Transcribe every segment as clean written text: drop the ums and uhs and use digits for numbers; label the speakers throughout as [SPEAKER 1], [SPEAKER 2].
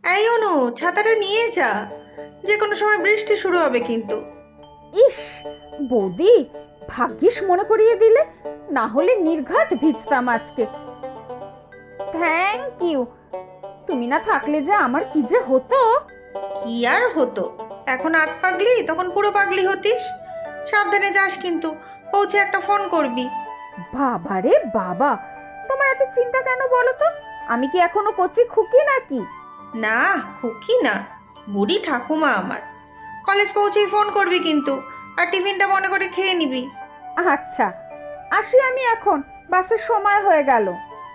[SPEAKER 1] এই অনু, ছাতাটা নিয়ে যা, যে কোনো সময় বৃষ্টি শুরু হবে কিন্তু।
[SPEAKER 2] ইস, বৌদি ভাগ্যিস মনে করিয়ে দিলে, না হলে নির্ঘাত ভিজতাম আজকে। Thank you. তুমি না থাকলে যে আমার কি যে হতো।
[SPEAKER 1] কি আর হতো, এখন আধ পাগলি, তখন পুরো পাগলি হতিস। সাবধানে যাস কিন্তু, পৌঁছে একটা ফোন করবি।
[SPEAKER 2] বাবারে বাবা, তোমার এত চিন্তা কেন বলো তো? আমি কি এখনো কচি খুকি নাকি?
[SPEAKER 1] না, খুকি না, বুড়ি ঠাকুমা আমার। কলেজ পৌঁছেই ফোন করবি কিন্তু, আর টিফিনটা মনে করে খেয়ে নিবি।
[SPEAKER 2] আচ্ছা, আসি আমি এখন, বাসের সময় হয়ে গেল।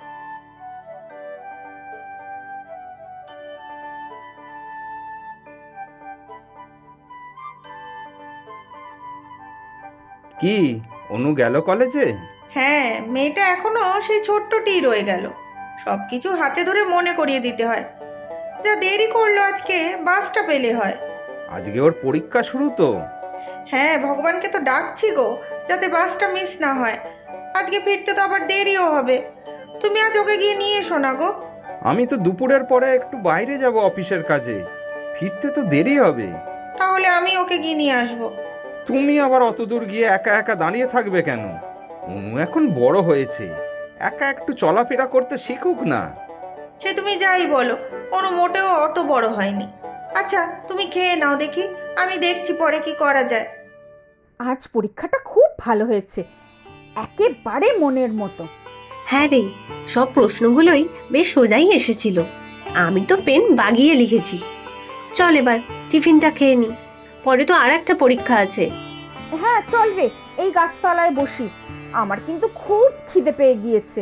[SPEAKER 3] কি, অনু গেল কলেজে?
[SPEAKER 1] হ্যাঁ, মেয়েটা এখনো সেই ছোট্টটি রয়ে গেল। সবকিছু হাতে ধরে মনে করিয়ে দিতে হয়। যা দেরি করলো আজকে, বাসটা পেলে হয়।
[SPEAKER 3] আজকে ওর পরীক্ষা শুরু তো।
[SPEAKER 1] হ্যাঁ, ভগবানকে তো ডাকছি গো, যাতে বাসটা মিস না হয়। আজকে ফিরতে তো আবার দেরিও হবে। তুমি আজ ওকে গিয়ে নিয়ে এসো না গো।
[SPEAKER 3] আমি তো দুপুরের পরে একটু বাইরে যাব অফিসের কাজে, ফিরতে তো দেরি হবে।
[SPEAKER 1] তাহলে আমি ওকে গিয়ে নিয়ে আসবো।
[SPEAKER 3] তুমি আবার অত দূর গিয়ে একা একা দাঁড়িয়ে থাকবে কেন? অনু এখন বড় হয়েছে, একা একটু চলাফেরা করতে শিখুক না।
[SPEAKER 1] সে তুমি যাই বলো, কোনো মোটেও অত বড় হয়নি। আচ্ছা, তুমি খেয়ে নাও দেখি, আমি দেখছি পরে কি করা যায়।
[SPEAKER 2] আজ পরীক্ষাটা খুব ভালো হয়েছে, একেবারে মনের মতো।
[SPEAKER 4] হ্যাঁ রে, সব প্রশ্নগুলোই বেশ সোজাই এসেছিল। আমি তো পেন বাগিয়ে লিখেছি। চল এবার টিফিনটা খেয়ে নি, পরে তো আর একটা পরীক্ষা আছে।
[SPEAKER 2] হ্যাঁ চল রে, এই গাছতলায় বসি, আমার কিন্তু খুব খিদে পেয়ে গিয়েছে।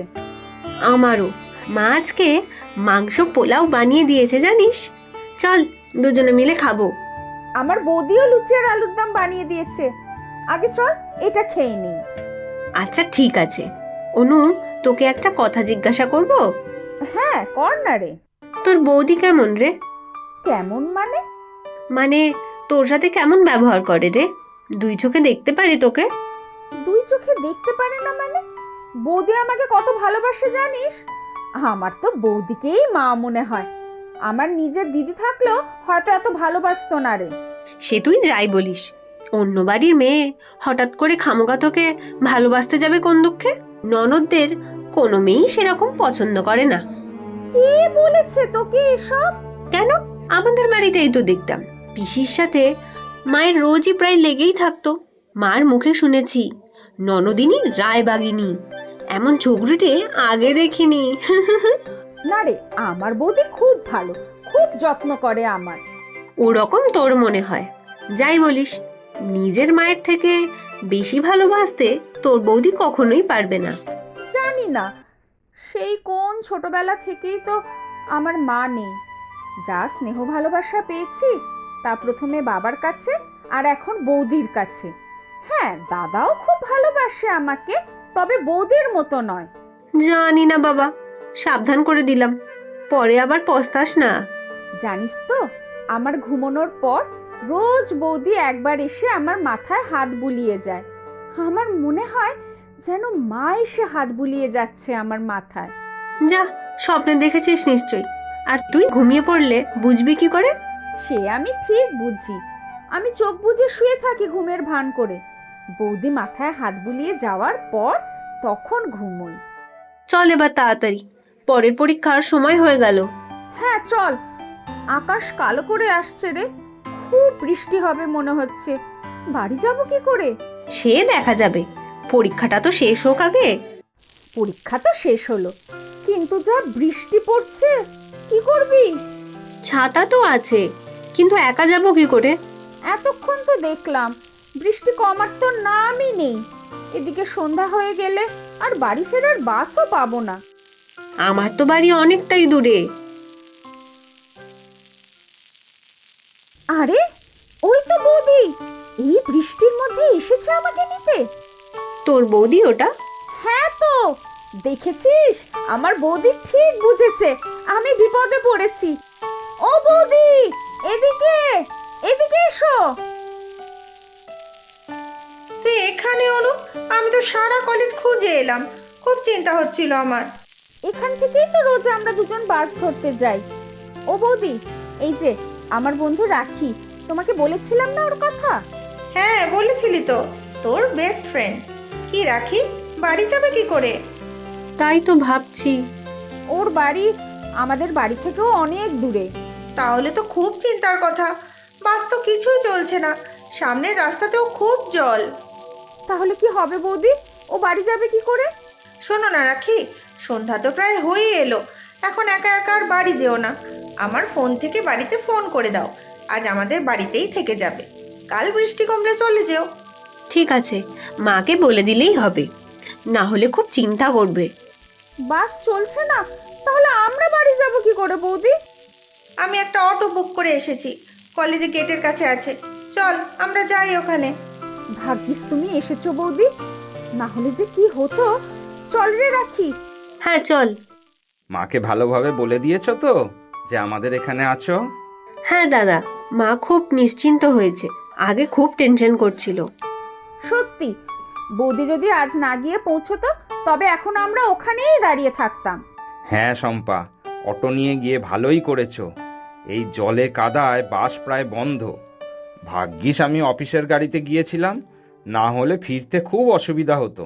[SPEAKER 4] আমারও। মা আজকে মাংস পোলাও বানিয়ে দিয়েছে জানিস। চল দুজনে মিলে খাবো।
[SPEAKER 2] আমার বৌদিও লুচি আর আলুর দম বানিয়ে দিয়েছে। আগে চল এটা খেয়ে নিই।
[SPEAKER 4] আচ্ছা ঠিক আছে। অনু, তোকে একটা কথা জিজ্ঞাসা করব।
[SPEAKER 2] হ্যাঁ কর না রে।
[SPEAKER 4] তোর বৌদি কেমন রে?
[SPEAKER 2] কেমন মানে?
[SPEAKER 4] মানে তোর সাথে কেমন ব্যবহার করে রে? দুই চোখে দেখতে পারি তোকে।
[SPEAKER 2] দুই চোখে দেখতে পারে না মানে? বৌদি আমাকে কত ভালোবাসে জানিস? আমার তো বৌদিকেই মা মনে হয়। আমার নিজের দিদি থাকলেও হয়তো এত ভালোবাসতো না রে।
[SPEAKER 4] সে তুই যাই বলিস, অন্য বাড়ির মেয়ে হঠাৎ করে খামোকা তোকে ভালোবাসতে যাবে কোন দুঃখে? ননদদের কোনো মেয়েই সেরকম পছন্দ করে না।
[SPEAKER 2] কে বলেছে তোকে এসব?
[SPEAKER 4] কেন, আমাদের বাড়িতেই তো দেখতাম পিসির সাথে মায়ের রোজই প্রায় লেগেই থাকতো। মার মুখে শুনেছি ননদিনী রায়বাগিনী, এমন ঝগড়ুটে আগে দেখিনি।
[SPEAKER 2] না রে, আমার বৌদি খুব ভালো, খুব যত্ন করে আমার।
[SPEAKER 4] ওরকম তোর মনে হয়। যাই বলিস, নিজের মায়ের থেকে বেশি ভালোবাসতে তোর বৌদি কখনোই পারবে না।
[SPEAKER 2] জানি না, সেই কোন ছোটবেলা থেকেই তো আমার মা নেই। যা স্নেহ ভালোবাসা পেয়েছি তা প্রথমে বাবার কাছে, আর এখন বৌদির কাছে। হ্যাঁ, দাদাও খুব ভালোবাসে আমাকে, তবে বৌদির মতো নয়।
[SPEAKER 4] জানি না বাবা, সাবধান করে দিলাম, পরে আবার পস্তাস না।
[SPEAKER 2] জানিস তো, আমার ঘুমানোর পর রোজ বৌদি একবার এসে আমার মাথায় হাত বুলিয়ে যায়। আমার মনে হয় যেন মা এসে হাত বুলিয়ে যাচ্ছে আমার মাথায়।
[SPEAKER 4] যা, স্বপ্নে দেখেছিস নিশ্চয়ই। আর তুই ঘুমিয়ে পড়লে বুঝবি কি করে?
[SPEAKER 2] সে আমি ঠিক বুঝি, আমি চোখ বুজে শুয়ে থাকি ঘুমের ভান করে। বৌদি মাথায় হাত বুলিয়ে যাওয়ার পর তখন ঘুমোই।
[SPEAKER 4] চল এবার তাড়াতাড়ি, পরের পরীক্ষার সময় হয়ে গেল।
[SPEAKER 2] হ্যাঁ চল, আকাশ কালো করে আসছে রে, খুব বৃষ্টি হবে মনে হচ্ছে। বাড়ি যাব কি করে?
[SPEAKER 4] সে দেখা যাবে, পরীক্ষাটা তো শেষ হোক আগে।
[SPEAKER 2] পরীক্ষা তো শেষ হলো, কিন্তু যা বৃষ্টি পড়ছে, কি করবি?
[SPEAKER 4] ছাতা তো আছে, কিন্তু একা যাব কি করে?
[SPEAKER 2] এতক্ষণ তো দেখলাম বৃষ্টি কমার তো নামই নেই। এদিকে সন্ধ্যা হয়ে গেলে আর বাড়ি ফেরার বাসও পাবো না।
[SPEAKER 4] আমার তো বাড়ি অনেকটাই দূরে।
[SPEAKER 2] আরে, ওই তো বৌদি এই বৃষ্টির মধ্যে এসেছে আমাকে নিতে।
[SPEAKER 4] তোর বৌদি ওটা?
[SPEAKER 2] হ্যাঁ তো, দেখেছিস, আমার বৌদি ঠিক বুঝেছে আমি বিপদে পড়েছি। ও বৌদি, এদিকে এদিকে এসো।
[SPEAKER 1] তুই এখানে অনু? আমি তো সারা কলেজ খুঁজে এলাম, খুব চিন্তা হচ্ছিল আমার।
[SPEAKER 2] এখান থেকেই তো রোজ আমরা দুজন বাস ধরতে যাই। ও বৌদি, এই যে আমার বন্ধু রাখি, তোমাকে বলেছিলাম না ওর কথা?
[SPEAKER 1] হ্যাঁ বলেছিলি তো, তোর বেস্ট ফ্রেন্ড। কি রাখি, বাড়ি যাবে কি করে?
[SPEAKER 4] তাই তো ভাবছি।
[SPEAKER 2] ওর বাড়ি আমাদের বাড়ি থেকেও অনেক দূরে।
[SPEAKER 1] তাহলে তো খুব চিন্তার কথা। বাস তো কিছুই চলছে না, সামনের রাস্তাতেও খুব জল।
[SPEAKER 2] তাহলে কি হবে বৌদি? ও বাড়ি যাবে কি করে?
[SPEAKER 1] শোনো না রাখি, সন্ধ্যা তো প্রায় হয়ে এলো, এখন একা একা আর বাড়ি যেও না। আমার ফোন থেকে বাড়িতে ফোন করে দাও, আজ আমাদের বাড়িতেই থেকে যাবে, কাল বৃষ্টি কমলে চলে যেও।
[SPEAKER 4] ঠিক আছে, মাকে বলে দিলেই হবে, না হলে খুব চিন্তা করবে।
[SPEAKER 2] বাস চলছে না, তাহলে আমরা বাড়ি যাব কি করে বৌদি?
[SPEAKER 1] আমি একটা অটো বুক করে এসেছি, কলেজে গেটের কাছে আছে, চল আমরা যাই ওখানে।
[SPEAKER 2] ভাগ্যিস তুমি এসেছো বৌদি, না হলে যে কি হতো। চল রে রাখি।
[SPEAKER 4] হ্যাঁ চল।
[SPEAKER 3] মাকে ভালোভাবে বলে দিয়েছো তো যে আমাদের এখানে আছো?
[SPEAKER 4] হ্যাঁ দাদা, মা খুব নিশ্চিন্ত হয়েছে, আগে খুব টেনশন করছিল।
[SPEAKER 2] সত্যি, বৌদি যদি আজ না গিয়ে পৌঁছতো তবে এখন আমরা ওখানেই দাঁড়িয়ে থাকতাম।
[SPEAKER 3] হ্যাঁ শম্পা, অটো নিয়ে গিয়ে ভালোই করেছো। এই জলে কাদায় বাস প্রায় বন্ধ। ভাগ্যিস আমি অফিসের গাড়িতে গিয়েছিলাম, না হলে ফিরতে খুব অসুবিধা হতো।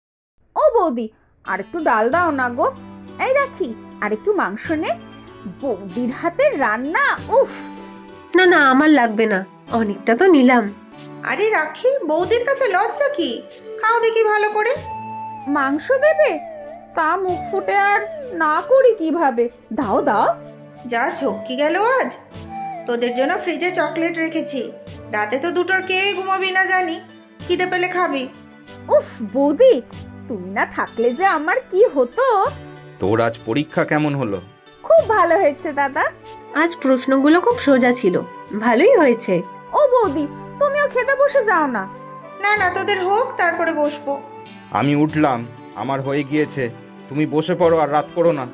[SPEAKER 2] ও বৌদি, আর একটু ডাল দাও না গো। এই রাখি, আর একটু মাংস নে, বৌদির হাতের রান্না, উফ।
[SPEAKER 4] না না, আমার লাগবে না, অনেকটা তো নিলাম।
[SPEAKER 1] আরে রাখি, বৌদির কাছে লজ্জা কি? খাও দেখি ভালো করে।
[SPEAKER 2] মাংস দেবে? তা মুখ ফুটে আর না করি কিভাবে? দাও দাও।
[SPEAKER 1] যা ঝক্কি গেল আজ। তোদের জন্য ফ্রিজে চকলেট রেখেছি, রাতে তো দুটোর কেউই ঘুমাবি না জানি, খিদে পেলে খাবি।
[SPEAKER 2] উফ বৌদি, তুমি না থাকলে যে আমার কি হতো।
[SPEAKER 3] তোর আজ পরীক্ষা কেমন হলো?
[SPEAKER 2] খুব ভালো হয়েছে দাদা।
[SPEAKER 4] আজ প্রশ্নগুলো খুব সোজা ছিল, ভালোই হয়েছে।
[SPEAKER 2] ও বৌদি, তুমিও খেতে বসে যাও না।
[SPEAKER 1] না না, তোদের হোক তারপরে বসবো।
[SPEAKER 3] আমি উঠলাম, আমার হয়ে গিয়েছে, তুমি বসে পড়ো আর রাত করো না।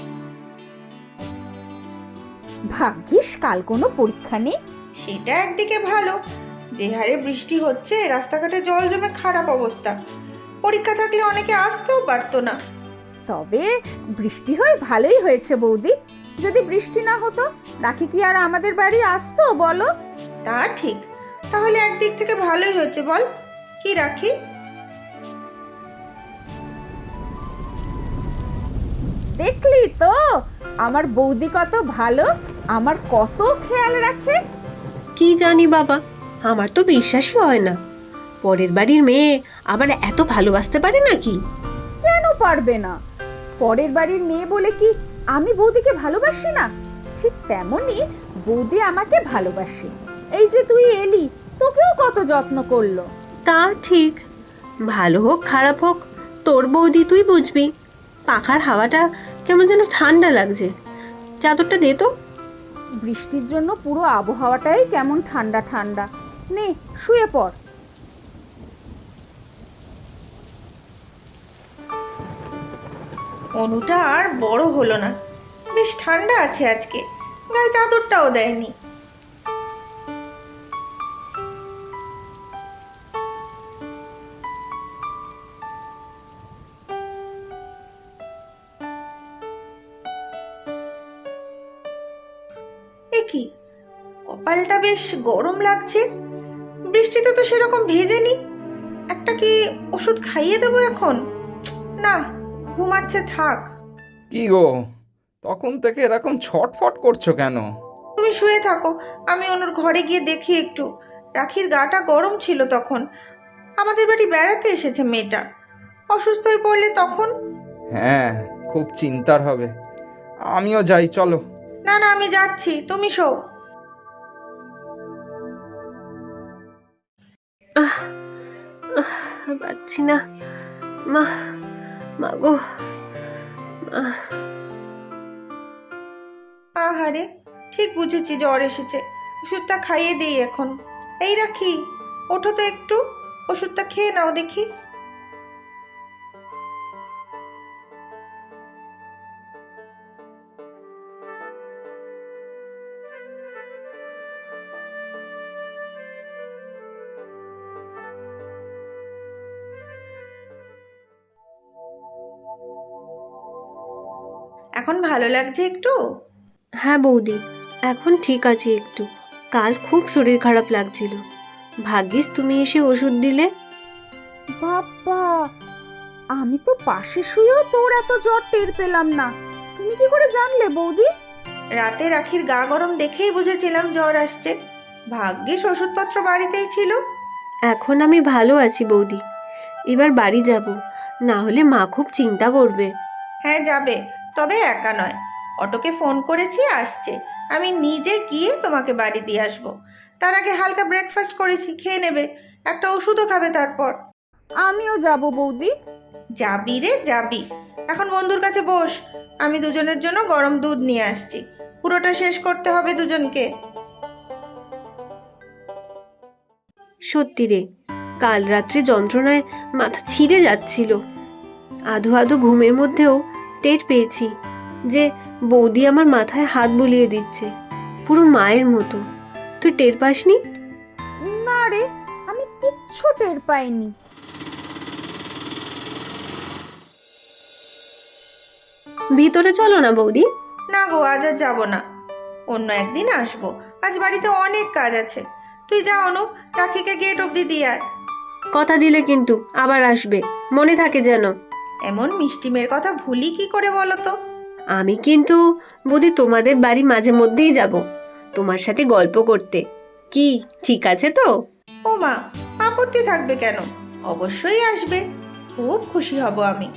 [SPEAKER 2] ভাগ্যিস কাল কোনো পরীক্ষা নেই।
[SPEAKER 1] সেটা একদিকে ভালো, যে হারে বৃষ্টি হচ্ছে রাস্তাঘাটে জল জমে খারাপ অবস্থা। পরীক্ষা থাকলে অনেকে আসতেও পারতো না।
[SPEAKER 2] তবে বৃষ্টি হয়ে ভালোই হয়েছে বৌদি। যদি বৃষ্টি না হতো রাখি কি আর আমাদের বাড়ি আসতো বলো?
[SPEAKER 1] তা ঠিক, তাহলে একদিক থেকে ভালোই হয়েছে বল, কি রাখি?
[SPEAKER 2] দেখলি তো আমার বৌদি কত ভালো, আমার কত খেয়াল রাখে।
[SPEAKER 4] কি জানি বাবা, আমার তো বিশ্বাসই হয় না, পরের বাড়ির মেয়ে আবার এত ভালোবাসতে পারে নাকি?
[SPEAKER 2] কেন পারবে না? পরের বাড়ির মেয়ে বলে কি আমি বৌদিকে ভালোবাসি না? ঠিক তেমনি বৌদি আমাকে ভালোবাসে। এই যে তুই এলি, তোকেও কত যত্ন করলো।
[SPEAKER 4] তা ঠিক, ভালো হোক খারাপ হোক, তোর বৌদি তুই বুঝবি। পাখার হাওয়াটা কেমন যেন ঠান্ডা লাগছে, চাদরটা দে তো।
[SPEAKER 2] বৃষ্টির জন্য পুরো আবহাওয়াটাই কেমন ঠান্ডা ঠান্ডা। নে শুয়ে পড়।
[SPEAKER 1] অনুটা আর বড় হলো না, বেশ ঠান্ডা আছে আজকে, গায়ে চাদরটাও দেয়নি। এ কি, কপালটা বেশ গরম লাগছে, বৃষ্টিতে তো সেরকম ভেজেনি। একটা কি ওষুধ খাইয়ে দেবো এখন? না, ঘুমাচ্ছে থাক।
[SPEAKER 3] কি গো, তখন থেকে এরকম ছটফট করছো কেন?
[SPEAKER 1] তুমি শুয়ে থাকো, আমি অনুর ঘরে গিয়ে দেখি একটু। রাখির গাটা গরম ছিল তখন, আমাদের বাড়ি বেড়াতে এসেছে মেয়েটা, অসুস্থ হয়ে পড়লে তখন।
[SPEAKER 3] হ্যাঁ, খুব চিন্তার হবে। আমিও যাই, চলো।
[SPEAKER 1] না না, আমি যাচ্ছি, তুমি শো।
[SPEAKER 4] আহ আহ, পারছি না, মা, মা গো, আহ,
[SPEAKER 1] আহারে, ঠিক বুঝেছি জ্বর এসেছে, ওষুধটা খাইয়ে দিই এখন। এই রাখি, ওঠো তো একটু, ওষুধটা খেয়ে নাও দেখি। এখন ভালো লাগছে একটু?
[SPEAKER 4] হ্যাঁ বৌদি, এখন ঠিক আছে একটু। কাল খুব শরীর খারাপ লাগছিল, ভাগ্যিস তুমি এসে ওষুধ দিলে।
[SPEAKER 2] বাবা, আমি তো পাশে শুয়েও তোর এত জ্বর টের পেলাম না। তুমি কি করে জানলে বৌদি?
[SPEAKER 1] রাতে রাখির গা গরম দেখেই বুঝেছিলাম জ্বর আসছে। ভাগ্যিস ওষুধপত্র বাড়িতেই ছিল।
[SPEAKER 4] এখন আমি ভালো আছি বৌদি, এবার বাড়ি যাব, না হলে মা খুব চিন্তা করবে।
[SPEAKER 1] হ্যাঁ যাবে, তবে একা নয়। অটোকে ফোন করেছি, আসছে। আমি নিজে গিয়ে তোমাকে বাড়ি দিয়ে আসবো। তার আগে হালকা ব্রেকফাস্ট করেছি, খেয়ে নেবে। একটা ওষুধও খাবে তারপর।
[SPEAKER 2] আমিও যাব বৌদি।
[SPEAKER 1] যাবি রে যাবি। এখন বন্ধুর কাছে বস, আমি দুজনের জন্য গরম দুধ নিয়ে আসছি। পুরোটা শেষ করতে হবে দুজনকে।
[SPEAKER 4] সত্যি রে, কাল রাত্রে যন্ত্রণায় মাথা ছিঁড়ে যাচ্ছিল। আধো আধো ঘুমের মধ্যেও টের পেয়েছি যে বৌদি আমার মাথায় হাত বুলিয়ে দিচ্ছে, পুরো মায়ের মতো। তুই টের পাসনি?
[SPEAKER 2] না রে, আমি কিচ্ছু টের পাইনি।
[SPEAKER 4] ভিতরে চলো না বৌদি।
[SPEAKER 1] না গো, আজ আর যাবো না, অন্য একদিন আসবো। আজ বাড়িতে অনেক কাজ আছে। তুই যা অনু, রাখিকে গেট অব্দি দিয়ে আয়।
[SPEAKER 4] কথা দিলে কিন্তু আবার আসবে, মনে থাকে যেন।
[SPEAKER 1] এমন মিষ্টি মেয়ের কথা ভুলি কি করে বলো তো?
[SPEAKER 4] আমি কিন্তু বৌদি তোমাদের বাড়ি মাঝে মধ্যেই যাব, তোমার সাথে গল্প করতে। কি ঠিক আছে তো?
[SPEAKER 1] ও মা, আপত্তি থাকবে কেন? অবশ্যই আসবে, খুব খুশি হব আমি।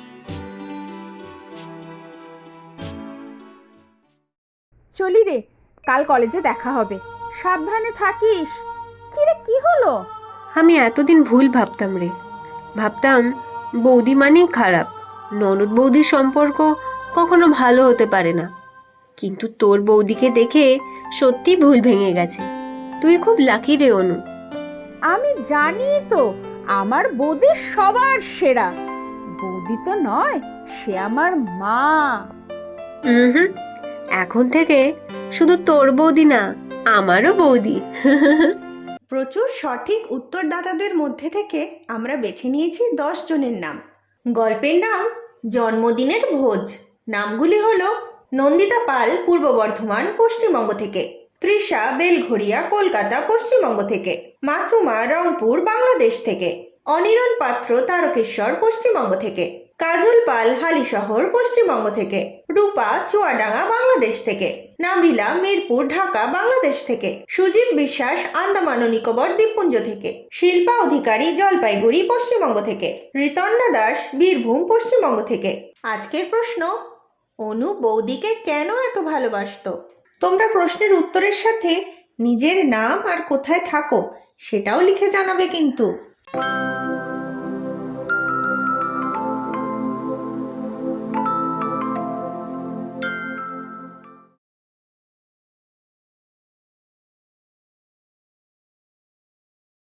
[SPEAKER 2] চলি রে, কাল কলেজে দেখা হবে। সাবধানে থাকিস। কি রে, কি হলো?
[SPEAKER 4] আমি এতদিন ভুল ভাবতাম রে, ভাবতাম বৌদি মানেই খারাপ, ননদ বৌদির সম্পর্ক কখনো ভালো হতে পারে না। কিন্তু তোর বৌদিকে দেখে সত্যি ভুল ভেঙে গেছে। তুই খুব লাকি রে অনু।
[SPEAKER 2] আমি জানি তো, আমার বৌদি সবার সেরা। বৌদি তো নয়, সে আমার মা।
[SPEAKER 4] হুম, এখন থেকে শুধু তোর বৌদি না, আমারও বৌদি।
[SPEAKER 1] প্রচুর সঠিক উত্তরদাতাদের মধ্যে থেকে আমরা বেছে নিয়েছি 10 জনের নাম। গল্পের নাম জন্মদিনের ভোজ। নামগুলি হলো নন্দিতা পাল, পূর্ব বর্ধমান, পশ্চিমবঙ্গ থেকে; তৃষা বেলঘড়িয়া, কলকাতা, পশ্চিমবঙ্গ থেকে; মাসুমা রংপুর, বাংলাদেশ থেকে; অনিরণ পাত্র, তারকেশ্বর, পশ্চিমবঙ্গ থেকে; কাজল পাল, হালিশহর, পশ্চিমবঙ্গ থেকে; রূপা, চুয়াডাঙ্গা, বাংলাদেশ থেকে; নাবিলা, মিরপুর, ঢাকা, বাংলাদেশ থেকে; সুজিত বিশ্বাস, আন্দামান ও নিকোবর দ্বীপপুঞ্জ থেকে; শিল্পা অধিকারী, জলপাইগুড়ি, পশ্চিমবঙ্গ থেকে; ঋতন্না দাস, বীরভূম, পশ্চিমবঙ্গ থেকে। আজকের প্রশ্ন: অনু বৌদিকে কেন এত ভালোবাসতো? তোমরা প্রশ্নের উত্তরের সাথে নিজের নাম আর কোথায় থাকো সেটাও লিখে জানাবে কিন্তু।